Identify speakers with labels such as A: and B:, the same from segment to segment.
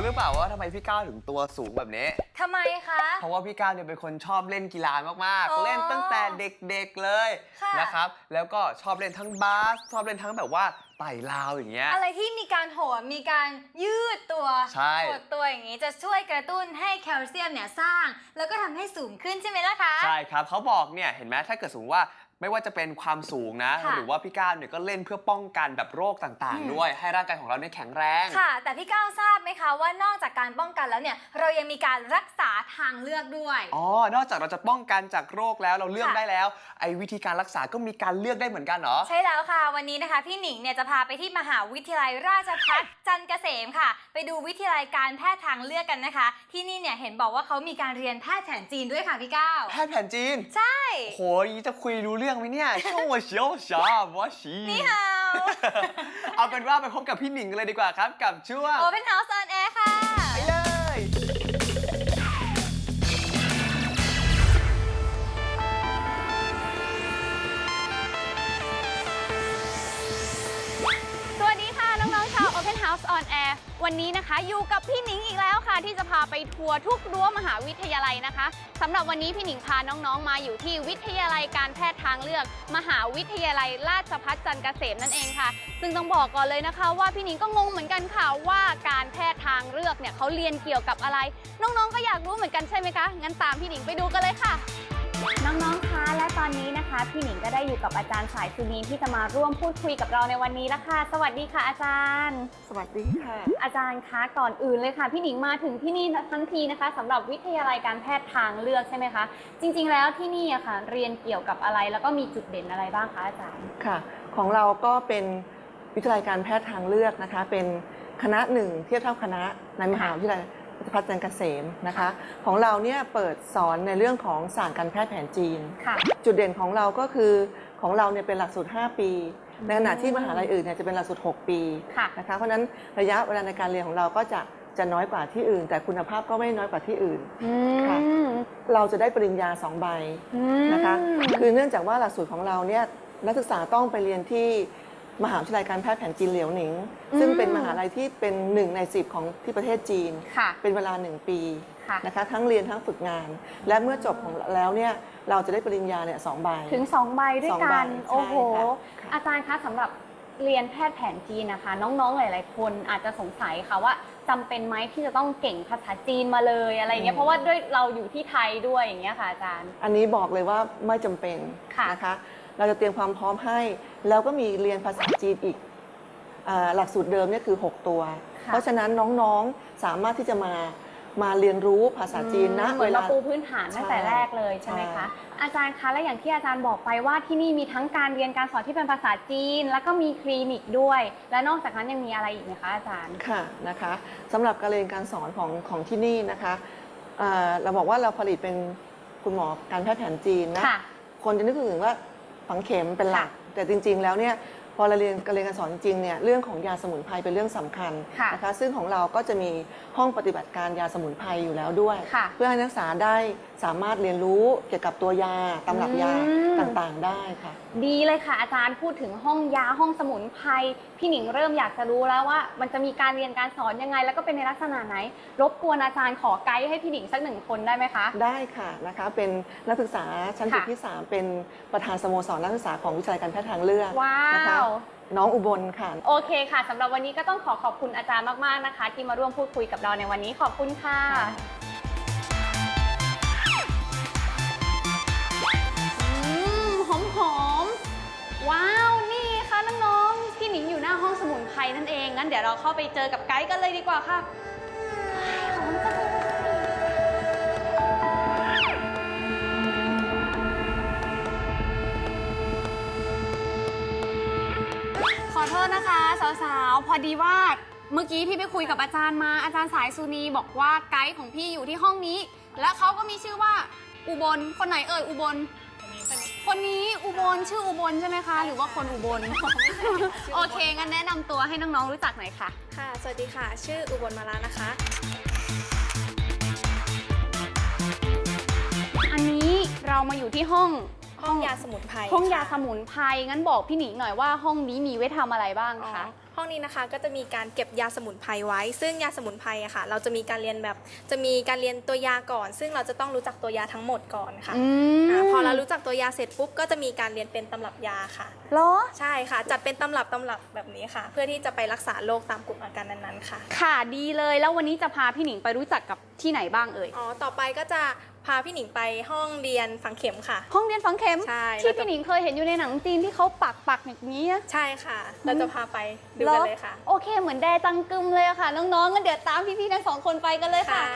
A: รือเปล่าว่าทำไมพี่ก้าวถึงตัวสูงแบบนี้
B: ทำไมคะ
A: เพราะว่าพี่ก้าวเนี่ยเป็นคนชอบเล่นกีฬามากๆเล่นตั้งแต่เด็กๆเลยนะครับแล้วก็ชอบเล่นทั้งบาสชอบเล่นทั้งแบบว่าไต่ราวอย่างเงี้ย
B: อะไรที่มีการโหนมีการยืดตัวหดตัวอย่างนี้จะช่วยกระตุ้นให้แคลเซียมเนี่ยสร้างแล้วก็ทำให้สูงขึ้นใช่ไหมล่ะคะ
A: ใช่ครับเขาบอกเนี่ยเห็นไหมถ้าเกิดสมมติว่าไม่ว่าจะเป็นความสูงนะหรือว่าพี่ก้าวเนี่ยก็เล่นเพื่อป้องกันแบบโรคต่างๆด้วยให้ร่างกายของเราเนี่ยแข็งแรง
B: ค่ะแต่พี่ก้าวทราบไหมคะว่านอกจากการป้องกันแล้วเนี่ยเรายังมีการรักษาทางเลือกด้วย
A: นอกจากเราจะป้องกันจากโรคแล้วเราเลือกได้แล้วไอ้วิธีการรักษาก็มีการเลือกได้เหมือนกันเหรอ
B: ใช่แล้วค่ะวันนี้นะคะพี่หนิงเนี่ยจะพาไปที่มหาวิทยาลัยราชภัฏจันทร์เกษมค่ะไปดูวิทยาลัยการแพทย์ทางเลือกกันนะคะที่นี่เนี่ยเห็นบอกว่าเขามีการเรียนแพทย์แผนจีนด้วยค่ะพี่ก้าว
A: แพทย์แผนจีน
B: ใช่
A: โหยจะคุยรู้เรื่องไหมเนี่ยช่วง我小小我喜
B: นี่ฮาว
A: เอาเป็นว่าไปพบกับพี่หนิงกันเลยดีกว่าครับกับช่วง
B: Open House on Air ค่ะ
A: ไปเลย
C: สวัสดีค่ะน้องๆชาว Open House on Air วันนี้นะคะอยู่กับพี่หนิงอีกแล้วค่ะที่จะพาไปทัวร์ทุกรั้วมหาวิทยาลัยนะคะสำหรับวันนี้พี่หนิงพาน้องๆมาอยู่ที่วิทยาลัยการแพทย์ทางเลือกมหาวิทยาลัยราชภัฏจันทร์เกษมนั่นเองค่ะซึ่งต้องบอกก่อนเลยนะคะว่าพี่หนิงก็งงเหมือนกันค่ะว่าการแพทย์ทางเลือกเนี่ยเขาเรียนเกี่ยวกับอะไรน้องๆก็อยากรู้เหมือนกันใช่ไหมคะงั้นตามพี่หนิงไปดูกันเลยค่ะน้องๆคะและตอนนี้นะคะพี่หนิงก็ได้อยู่กับอาจารย์สายสุนีที่จะมาร่วมพูดคุยกับเราในวันนี้แล้วค่ะสวัสดีค่ะอาจารย์
D: สวัสดีค่ะ
C: อาจารย์คะก่อนอื่นเลยค่ะพี่หนิงมาถึงที่นี่ทั้งทีนะคะสำหรับวิทยาลัยการแพทย์ทางเลือกใช่ไหมคะจริงๆแล้วที่นี่อะค่ะเรียนเกี่ยวกับอะไรแล้วก็มีจุดเด่นอะไรบ้างคะอาจารย์
D: ค่ะของเราก็เป็นวิทยาลัยการแพทย์ทางเลือกนะคะเป็นคณะหนึ่งเทียบเท่าคณะในมหาวิทยาลัยราชภัฏจันทร์เกษมนะคะของเราเนี่ยเปิดสอนในเรื่องของศาสตร์การแพทย์แผนจีนจุดเด่นของเราก็คือของเราเนี่ยเป็นหลักสูตร5ปีในขณะที่มหาลัยอื่นเนี่ยจะเป็นหลักสูตร6ปีนะคะเพราะฉะนั้นระยะเวลาในการเรียนของเราก็จะน้อยกว่าที่อื่นแต่คุณภาพก็ไม่น้อยกว่าที่อื่นค่ะเราจะได้ปริญญา2 ใบนะคะคือเนื่องจากว่าหลักสูตรของเราเนี่ยนักศึกษาต้องไปเรียนที่มหาวิทยาลัยการแพทย์แผนจีนเหลียวหนิงซึ่งเป็นมหาลัยที่เป็น1 ใน 10ของที่ประเทศจีนเป็นเวลา1 ปีนะคะทั้งเรียนทั้งฝึกงานและเมื่อจบของแล้วเนี่ยเราจะได้ปริญญาเนี่ย2 ใบ
C: ถึง2 ใบด้วยกันโอ้โหอาจารย์คะสำหรับเรียนแพทย์แผนจีนนะคะน้องๆหลายๆคนอาจจะสงสัยค่ะว่าจำเป็นไหมที่จะต้องเก่งภาษาจีนมาเลยอะไรเงี้ยเพราะว่าด้วยเราอยู่ที่ไทยด้วยอย่างเงี้ยค่ะอาจารย์
D: อันนี้บอกเลยว่าไม่จำเป็นนะคะเราจะเตรียมความพร้อมให้แล้วก็มีเรียนภาษาจีนอีกหลักสูตรเดิมเนี่ยคือ6 ตัวเพราะฉะนั้นน้องๆสามารถที่จะมาเรียนรู้ภาษาจีนนะ
C: เหมือนเราปูพื้นฐานตั้งแต่แรกเลยใช่ไหมคะอาจารย์คะและอย่างที่อาจารย์บอกไปว่าที่นี่มีทั้งการเรียนการสอนที่เป็นภาษาจีนแล้วก็มีคลินิกด้วยและนอกจากนั้นยังมีอะไรอีกไหมคะอาจารย์
D: ค่ะนะคะสำหรับการเรียนการสอนของที่นี่นะคะเราบอกว่าเราผลิตเป็นคุณหมอการแพทย์แผนจีนนะคนจะนึกถึงว่าฝังเข็มเป็นหลักแต่จริงๆแล้วเนี่ยพอเราเรียนการสอนจริงๆเนี่ยเรื่องของยาสมุนไพรเป็นเรื่องสำคัญนะคะซึ่งของเราก็จะมีห้องปฏิบัติการยาสมุนไพรอยู่แล้วด้วยเพื่อให้นักศึกษาได้สามารถเรียนรู้เกี่ยวกับตัวยาตำรับยาต่างๆได้ค่ะ
C: ดีเลยค่ะอาจารย์พูดถึงห้องยาห้องสมุนไพรพี่หนิงเริ่มอยากจะรู้แล้วว่ามันจะมีการเรียนการสอนยังไงแล้วก็เป็นในลักษณะไหนรบกวนอาจารย์ขอไกด์ให้พี่หนิงสัก1 คนได้ไหมคะ
D: ได้ค่ะนะคะเป็นนักศึกษาชั้นปีที่3เป็นประธานสโมสรนักศึกษาของวิทยาลัยการแพทย์ทางเลือกนะคะน้องอุบลค่ะ
C: โอเคค่ะสำหรับวันนี้ก็ต้องขอบคุณอาจารย์มากๆนะคะที่มาร่วมพูดคุยกับเราในวันนี้ขอบคุณค่ะหอมว้าวนี่ค่ะน้องๆพี่หนิงอยู่หน้าห้องสมุนไพรนั่นเองงั้นเดี๋ยวเราเข้าไปเจอกับไกด์กันเลยดีกว่าค่ะหอมจังเลยขอโทษนะคะสาวๆพอดีว่าเมื่อกี้พี่ไปคุยกับอาจารย์มาอาจารย์สายสุนีบอกว่าไกด์ของพี่อยู่ที่ห้องนี้และเขาก็มีชื่อว่าอุบลคนไหนเอ่ยอุบลคนนี้อุบลชื่ออุบลใช่ไหมคะหรือว่าคนอุบลโอเคงั้นแนะนำตัวให้น้องๆรู้จักหน่อยค่ะ
E: ค่ะสวัสดีค่ะชื่ออุบลมาลานะคะ
C: อันนี้เรามาอยู่ที่ห้อง
E: ยาสมุนไพร
C: ห้องยาสมุนไพรงั้นบอกพี่หนิงหน่อยว่าห้องนี้มีไว้ทำอะไรบ้างคะ
E: ห้องนี้นะคะก็จะมีการเก็บยาสมุนไพรไว้ ซึ่งยาสมุนไพรอะค่ะ เราจะมีการเรียนตัวยาก่อน ซึ่งเราจะต้องรู้จักตัวยาทั้งหมดก่อนค่ะพอเรารู้จักตัวยาเสร็จปุ๊บก็จะมีการเรียนเป็นตำรับยาค่ะ
C: เหรอ
E: ใช่ค่ะ จัดเป็นตำรับแบบนี้ค่ะ เพื่อที่จะไปรักษาโรคตามกลุ่มอาการนั้นๆค่ะ
C: ค่ะดีเลยแล้ววันนี้จะพาพี่หนิงไปรู้จักกับที่ไหนบ้างเอ่ย
E: ต่อไปก็จะพาพี่หนิงไปห้องเรียนฝังเข็มค่ะ
C: ห้องเรียนฝังเข็ม
E: ใช่
C: ที่พี่หนิงเคยเห็นอยู่ในหนังจีนที่เขาปักอย่างนี้อะ
E: ใช่ค่ะ เราจะพาไปดูกันเลยค่ะ
C: โอเคเหมือนแดจังกึมเลยอะค่ะ น้องๆงั้นเดี๋ยวตามพี่ๆทั้งสองคนไปกันเลยค่ะ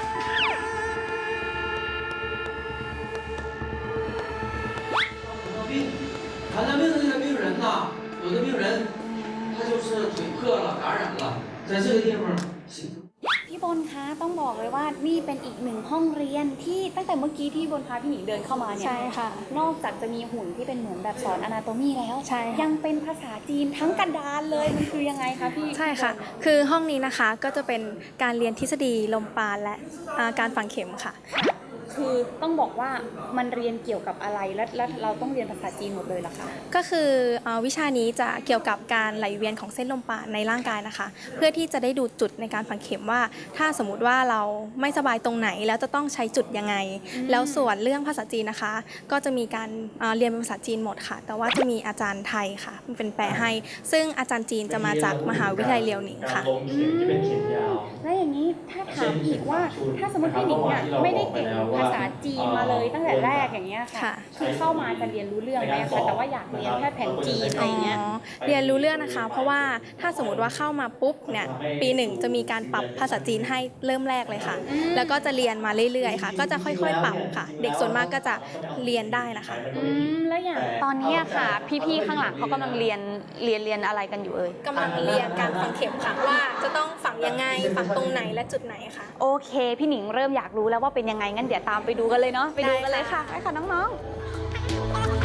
F: 传染病的这个病人呢，有的病人他就是腿破了，感染了，在这个地方行。
C: พี่บนคะต้องบอกเลยว่านี่เป็นอีกหนึ่งห้องเรียนที่ตั้งแต่เมื่อกี้ที่บนพาพี่หนิงเดินเข้ามาเนี่ย
E: ใช่ค่ะ
C: นอกจากจะมีหุ่นที่เป็นเหมือนแบบสอนอนาโตมีแล้ว
E: ใช่ค่ะ
C: ยังเป็นภาษาจีนทั้งกระดานเลยมันคือยังไงคะพี่
E: ใช่ค่ะ คือห้องนี้นะคะก็จะเป็นการเรียนทฤษฎีลมปราณและการฝังเข็มค่ะ
C: คือต้องบอกว่ามันเรียนเกี่ยวกับอะไรและเราต้องเรียนภาษาจีนหมดเลยเหรอคะ
E: ก็คือวิชานี้จะเกี่ยวกับการไหลเวียนของเส้นลมปราณในร่างกายนะคะ เพื่อที่จะได้ดูจุดในการฝังเข็มว่า ถ้าสมมุติว่าเราไม่สบายตรงไหนแล้วจะต้องใช้จุดยังไง แล้วส่วนเรื่องภาษาจีนนะคะ ก็จะมีการเรียนเป็นภาษาจีนหมดค่ะ แต่ว่าจะมีอาจารย์ไทยค่ะเป็นแปลให้ ซึ่งอาจารย์จีนจะมาจากมหาวิทยาลัยเลียวหนิงค่ะ
C: แล้วอย่างนี้ถ้าถามอีกว่าถ้าสมมติพี่หนิงเนี่ยไม่ได้เก่งภาษาจีนมาเลยตั้งแต่แรกอย่างเงี้ยค่ะ
E: ค่ะ
C: คือเข้ามาจะเรียนรู้เรื่องไหมคะแต่ว่าอยากเรียนแค่แผนจีนอะไรเงี้ย
E: เรียนรู้เรื่องนะคะ เพราะว่าถ้าสมมติว่าเข้ามาปุ๊บเนี่ยปีหนึ่งจะมีการปรับภาษาจีนให้เริ่มแรกเลยค่ะ แล้วก็จะเรียนมาเรื่อยๆค่ะ ก็จะค่อยๆปรับค่ะ เด็กส่วนมากก็จะเรียนได้นะคะ
C: แล้วอย่างตอนนี้ค่ะ พี่ๆข้างหลังเขากำลังเรียนอะไรกันอยู่เอ่ย
E: กำลังเรียนการฝังเข็มค่ะว่าจะต้องฝังยังไงฝังตรงไหนและจุดไหนค่ะ
C: โอเค พี่หนิงเริ่มอยากรู้แล้วว่าเป็นยังไงงั้นเดี๋ยวตามไปดูกันเลยเนาะไปดูกันเลยค่ะไปค่ะน้องๆ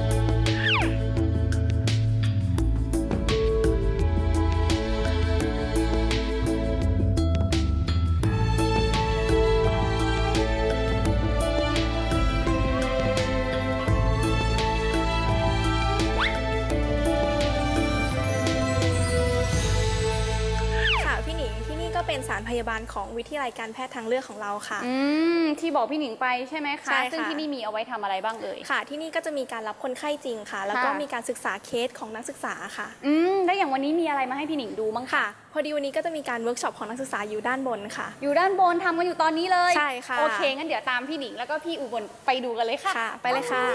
E: ค่ะพี่หนิงที่นี่ก็เป็นสถานพยาบาลของวิทยาลัยการแพทย์ทางเลือกของเราค่ะ
C: ที่บอกพี่หนิงไปใช่ไหมคะ
E: ใช่ค่ะ
C: ซึ่งที่นี่มีเอาไว้ทำอะไรบ้างเอ่ย
E: ค่ะ ที่นี่ก็จะมีการรับคนไข้จริงค่ะ แล้วก็
C: ค่ะ
E: มีการศึกษาเคสของนักศึกษาค่ะ
C: แล้วอย่างวันนี้มีอะไรมาให้พี่หนิงดูบ้างคะ
E: ค่ะ พอดีวันนี้ก็จะมีการเวิร์กช็อปของนักศึกษาอยู่ด้านบนค่ะ
C: อยู่ด้านบนทำกันอยู่ตอนนี้เลย
E: ใช่ค่ะ
C: โอเคงั้นเดี๋ยวตามพี่หนิงแล้วก็พี่อุบลไปดูกันเลยค่ะ
E: ค่ะ ไปเลยค่ะ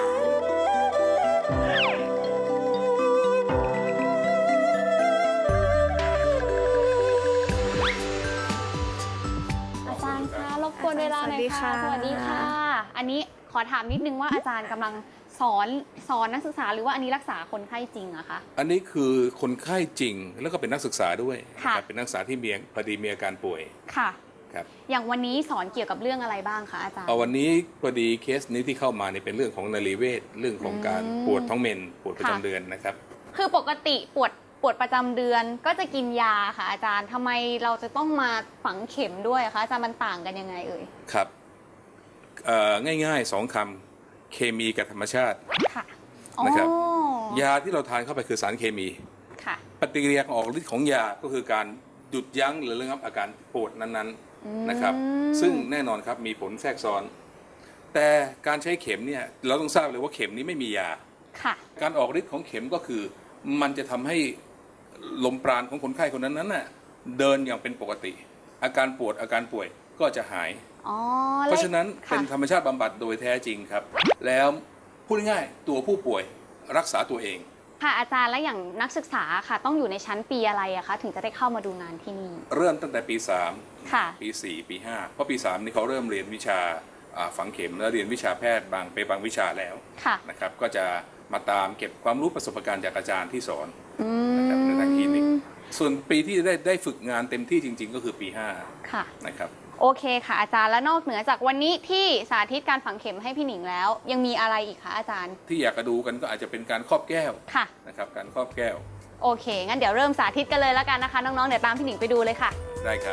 C: อาจารย์คะรบกวนเวลาหน่อยค่ะ
E: สวัสดีค่ะ
C: อันนี้ขอถามนิดนึงว่าอาจารย์กำลังสอนนักศึกษาหรือว่าอันนี้รักษาคนไข้จริงอะคะ
G: อันนี้คือคนไข้จริงแล้วก็เป็นนักศึกษาด้วย
C: ค่ะ
G: นะครับเป็นนักศึกษาที่พอดีมีอาการป่วย
C: ค่ะ
G: ครับ
C: อย่างวันนี้สอนเกี่ยวกับเรื่องอะไรบ้างคะอาจารย์
G: วันนี้พอดีเคสนี้ที่เข้ามาเนี่ยเป็นเรื่องของนรีเวชเรื่องของการปวดท้องเมนปวดประจำเดือนนะครับ
C: คือปกติปวดประจำเดือนก็จะกินยาค่ะอาจารย์ทำไมเราจะต้องมาฝังเข็มด้วยคะอาจารย์มันต่างกันยังไงเอ่ย
G: ครับง่ายๆ2 คำเคมีกับธรรมชาติ
C: ค่ะ
G: นะครับ
C: อ๋อย
G: าที่เราทานเข้าไปคือสารเคมี
C: ค่ะ
G: ปฏิกิริยาของออกฤทธิ์ของยาก็คือการหยุดยั้งหรือระงับอาการปวดนั้นๆนะครับซึ่งแน่นอนครับมีผลแทรกซ้อน แต่การใช้เข็มเนี่ยเราต้องทราบเลยว่าเข็มนี้ไม่มียา
C: ค่ะ
G: การออกฤทธิ์ของเข็มก็คือมันจะทำให้ลมปราณของคนไข้คนนั้นน่ะเดินอย่างเป็นปกติ อาการปวดอาการป่วยก็จะหาย
C: อ๋อ
G: เพราะฉะนั้น
C: ค่ะ
G: เป็นธรรมชาติบำบัดโดยแท้จริงครับ แล้วพูดง่ายๆตัวผู้ป่วยรักษาตัวเอง
C: ค่ะอาจารย์แล้วอย่างนักศึกษาค่ะ ต้องอยู่ในชั้นปีอะไรอะคะถึงจะได้เข้ามาดูงานที่นี่
G: เริ่มตั้งแต่ปี
C: ค่ะ
G: 3 ปี 4 ปี 5 เพราะปี 3 นี่เขาเริ่มเรียนวิชาฝังเข็มแล้วเรียนวิชาแพทย์บางวิชาแล้ว
C: ค่ะ
G: นะครับก็จะมาตามเก็บความรู้ประสบการณ์จากอาจารย์ที่สอนนะครับในทางคลินิกส่วนปีที่ได้ฝึกงานเต็มที่จริง ๆ ก็คือปี
C: ค่ะ
G: 5นะครับ
C: โอเคค่ะอาจารย์แล้วนอกเหนือจากวันนี้ที่สาธิตการฝังเข็มให้พี่หนิงแล้ว ยังมีอะไรอีกคะอาจารย์
G: ที่อยากจะดูกันก็อาจจะเป็นการครอบแก้ว
C: ค่ะ
G: นะครับการครอบแก้ว
C: โอเค งั้นเดี๋ยวเริ่มสาธิตกันเลยแล้วกันนะคะ น้องๆ เดี๋ยวตามพี่หนิงไปดูเลยค่ะ
G: ได้ครับ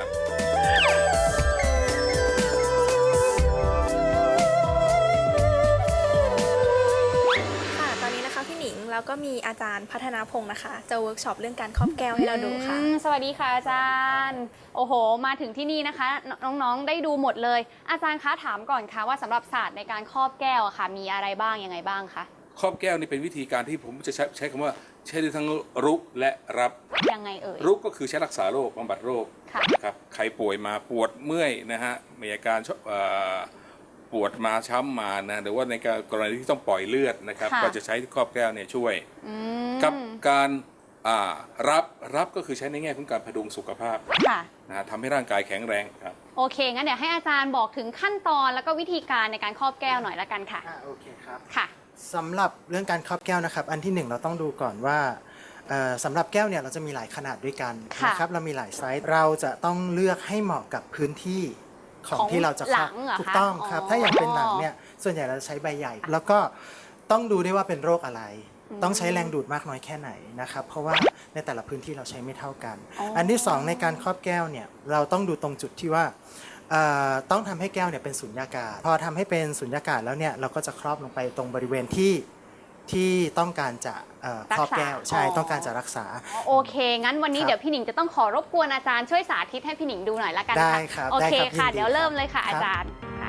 E: ค่ะ ตอนนี้นะคะพี่หนิงแล้วก็มีอาจารย์พัฒนาพงศ์นะคะจะเวิร์กช็อปเรื่องการครอบแก้วให้เราดูค่ะ
C: สวัสดีค่ะอาจารย์โอ้โหมาถึงที่นี่นะคะน้องๆได้ดูหมดเลยอาจารย์คะถามก่อนค่ะว่าสำหรับศาสตร์ในการครอบแก้วอะค่ะมีอะไรบ้างยังไงบ้างคะ
G: ครอบแก้วนี่เป็นวิธีการที่ผมจะใช้คำว่าใช้ได้ทั้งรุกและรับ
C: ยังไงเอ่ย
G: รุกก็คือใช้รักษาโรคบำบัดโรค
C: ค่ะ
G: นะครับใครป่วยมาปวดเมื่อยนะฮะมีอาการปวดมาช้ำมานะหรือว่าในกรณีที่ต้องปล่อยเลือดนะครับก็จะใช้ครอบแก้วเนี่ยช่วยกับการรับก็คือใช้ในแง่ของการพดุงสุขภาพ
C: ค่ะ
G: นะทำให้ร่างกายแข็งแรงครับ
C: โอเคงั้นเดี๋ยวให้อาจารย์บอกถึงขั้นตอนแล้วก็วิธีการในการครอบแก้วหน่อยละกันค่ะ
H: โอเคครับ
C: ค่ะ
H: สำหรับเรื่องการครอบแก้วนะครับอันที่หนึ่งเราต้องดูก่อนว่าสำหรับแก้วเนี่ยเราจะมีหลายขนาดด้วยกัน
C: ค่ะ
H: นะครับเรามีหลายไซส์เราจะต้องเลือกให้เหมาะกับพื้นที่ของที่เราจะครอบ
C: หลังเหรอคะ
H: ถูกต้องครับ
C: อ๋อ
H: ถ้าอย่างเป็นหลังเนี่ยส่วนใหญ่เราจะใช้ใบใหญ่ แล้วก็ต้องดูด้วยว่าเป็นโรคอะไร ต้องใช้แรงดูดมากน้อยแค่ไหนนะครับเพราะว่าในแต่ละพื้นที่เราใช้ไม่เท่ากัน อันที่สองในการครอบแก้วเนี่ยเราต้องดูตรงจุดที่ว่าต้องทำให้แก้วเนี่ยเป็นสุญญากาศพอทำให้เป็นสุญญากาศแล้วเนี่ยเราก็จะครอบลงไปตรงบริเวณที่ต้องการจะครอบแก้วใช่ต้องการจะรักษา
C: โอเค งั้นวันนี้
H: ครับ
C: เดี๋ยวพี่หนิงจะต้องขอรบกวนอาจารย์ช่วยสาธิตให้พี่หนิงดูหน่อยละกัน
H: ได้
C: ค่ะ
H: ครับ
C: โอเค
H: ได้ครับ
C: ค่ะ
H: ยินดี
C: เดี๋ยวเริ่ม
H: ครับ
C: เลยค่ะ
H: ครับ
C: อาจารย์ค่ะ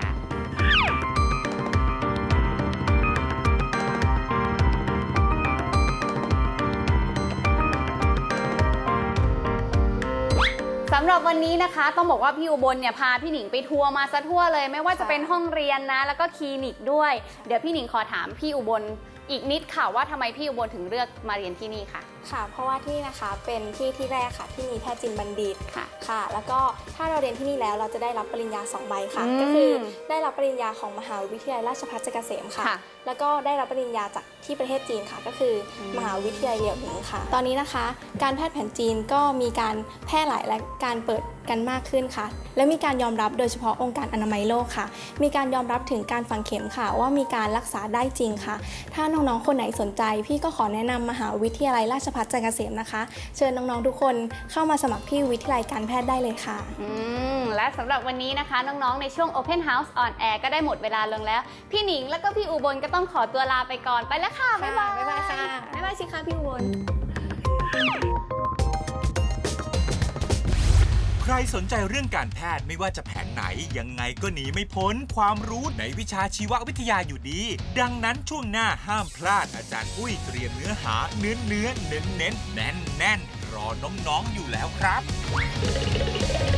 C: สำหรับวันนี้นะคะต้องบอกว่าพี่อุบลเนี่ยพาพี่หนิงไปทัวร์มาซะทั่วเลย ไม่ว่าจะเป็นห้องเรียนนะแล้วก็คลินิกด้วย เดี๋ยวพี่หนิงขอถามพี่อุบลอีกนิดค่ะว่าทำไมพี่อุบลถึงเลือกมาเรียนที่นี่ค่ะ
E: ค่ะ เพราะว่าที่นี่นะคะเป็นที่แรกค่ะที่มีแพทย์จินบัณฑิต
C: ค่ะ
E: ค่ะ แล้วก็ถ้าเราเรียนที่นี่แล้วเราจะได้รับปริญญา2 ใบค่ะ
C: อืม
E: ก็คือได้รับปริญญาของมหาวิทยาลัยราชภัฏจักรเกษมค่ะ
C: ค่ะ
E: แล้วก็ได้รับปริญญาจากที่ประเทศจีนค่ะ ก็คือมหาวิทยาลัยเหลียวหนิงค่ะ ตอนนี้นะคะ การแพทย์แผนจีนก็มีการแพร่หลายและการเปิดกันมากขึ้นค่ะ และมีการยอมรับโดยเฉพาะองค์การอนามัยโลกค่ะ มีการยอมรับถึงการฝังเข็มค่ะ ว่ามีการรักษาได้จริงค่ะ ถ้าน้องๆคนไหนสนใจ พี่ก็ขอแนะนำมหาวิทยาลัยราชภัฏจักรเกษมนะคะ เชิญน้องๆทุกคนเข้ามาสมัครที่วิทยาลัยการแพทย์ได้เลยค่ะ
C: และสำหรับวันนี้นะคะน้องๆในช่วง Open House on Air ก็ได้หมดเวลาลงแล้ว พี่หนิงแล้วก็พี่อุบลก็ต้องขอตัวลาไปก่อนไปแล้วค่ะ บ๊ายบาย
E: บ๊ายบายค่ะ บ๊ายบายสิคะพี่อุบล
I: ใครสนใจเรื่องการแพทย์ไม่ว่าจะแผนไหนยังไงก็หนีไม่พ้นความรู้ในวิชาชีววิทยาอยู่ดี ดังนั้นช่วงหน้าห้ามพลาดอาจารย์อุ้ยเตรียมเนื้อหาเน้นๆรอน้องๆอยู่แล้วครับ